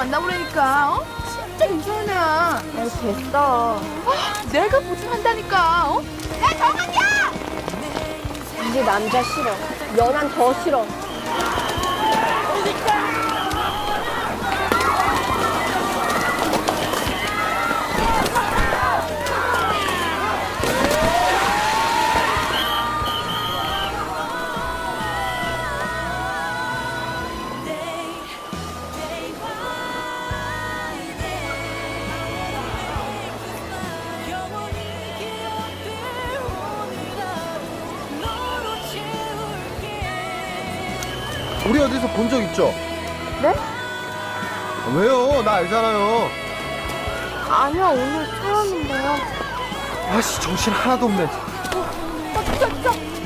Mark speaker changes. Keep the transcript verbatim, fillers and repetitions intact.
Speaker 1: 만나보라니까. 어? 진짜 이상한 애야.
Speaker 2: 에이, 됐어.
Speaker 1: 아, 내가 보증한다니까. 어? 야, 정한이야!
Speaker 2: 이제 남자 싫어. 연한 더 싫어.
Speaker 3: 우리 어디서 본 적 있죠?
Speaker 2: 네?
Speaker 3: 아, 왜요? 나 알잖아요.
Speaker 2: 아니요, 오늘 처음인데요.
Speaker 3: 아씨, 정신 하나도 없네.
Speaker 2: 어, 저, 저,